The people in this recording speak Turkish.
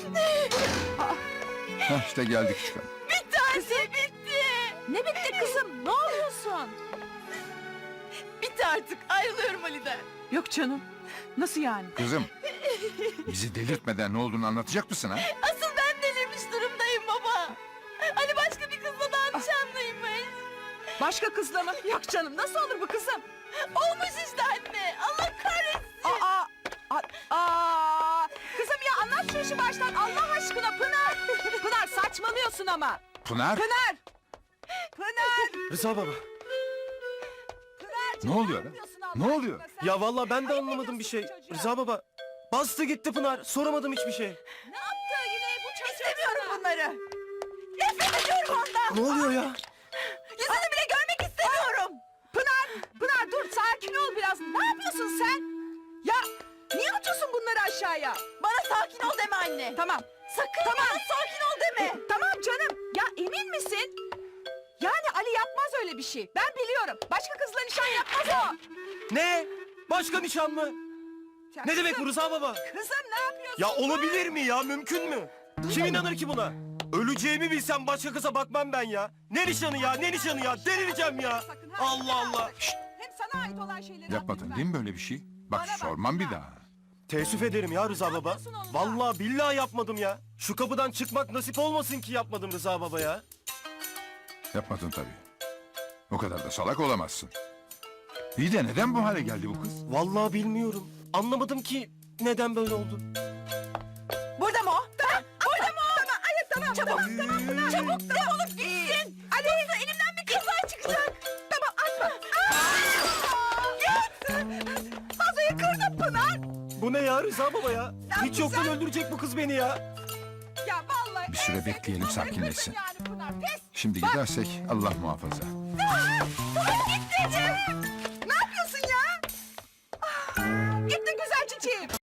Hah, işte geldik çıkalım. Bitti anne, bitti. Ne bitti kızım? Ne oluyorsun? Bitti artık. Ayrılıyorum Ali'den. Yok canım. Nasıl yani? Kızım, bizi delirtmeden ne olduğunu anlatacak mısın ha? Asıl ben delirmiş durumdayım baba. Ali başka bir kızla daha nişanlıymış. Başka kızla mı? Yok canım. Nasıl olur bu kızım? Olmuş işte anne. Allah kahretsin. Kızım ya anlat şu işi baştan Allah aşkına Pınar. Pınar saçmalıyorsun ama. Pınar, Pınar. Pınar. Rıza baba. Pınar. ne oluyor lan? Ne oluyor? Ya vallahi ben de Ayıp anlamadım bir şey. ediyorsun çocuğa. Rıza baba. Bastı gitti Pınar. Soramadım hiçbir şey. Ne yaptı yine bu çocuk? İstemiyorum bunları. Nefret ediyorum ondan. Ne oluyor ya? Yüzünü bile görmek istemiyorum. Pınar dur sakin ol biraz. Ne yapıyorsun sen? Ya niye atıyorsun bunları aşağıya? Bana sakin ol deme anne. Tamam. Sakın bana sakin ol deme. Tamam canım. Ya emin misin? Yani Ali yapmaz öyle bir şey. Ben biliyorum. Başka kızla nişan yapmaz o. Ne? Başka nişan mı? Ya Ne demek bu kızım, Rıza baba? Kızım ne yapıyorsun? Ya olabilir mi ya? Mümkün mü? Kim inanır ki buna? Öleceğimi bilsem başka kıza bakmam ben ya. Ne nişanı ya? Ne nişanı ya? Delireceğim ya. Sakın ha, Allah Allah. Şşt! Hem sana ait olan şeyleri Yapmadın değil mi böyle bir şey? Bak Bana bak, sormam bir Pınar. daha. Teessüf ederim ya Rıza baba. yapıyorsun oğlum ya? Vallahi billahi yapmadım ya. Şu kapıdan çıkmak nasip olmasın ki yapmadım Rıza baba ya. Yapmadın tabii. O kadar da salak olamazsın. İyi de neden bu hale geldi bu kız? Vallahi bilmiyorum. Anlamadım ki neden böyle oldu. Burada mı o? Tamam. Burada mı o? Tamam, hayır tamam. Çabuk. Tamam Pınar. Çabuk defolup gitsin. Ali yoksa elimden bir kaza çıkacak. Tamam atma. Vazoyu kırdın Pınar. Bu ne ya Rıza baba ya? Hiç yoktan sen- öldürecek bu kız beni ya. Ya vallahi. Bir süre en bekleyelim, sevdiğim olayı sakinleşsin. kırdın Yani Pınar. Pes. Şimdi gidersek Allah muhafaza. Ne yapıyorsun ya? Gitti güzel çiçeğim.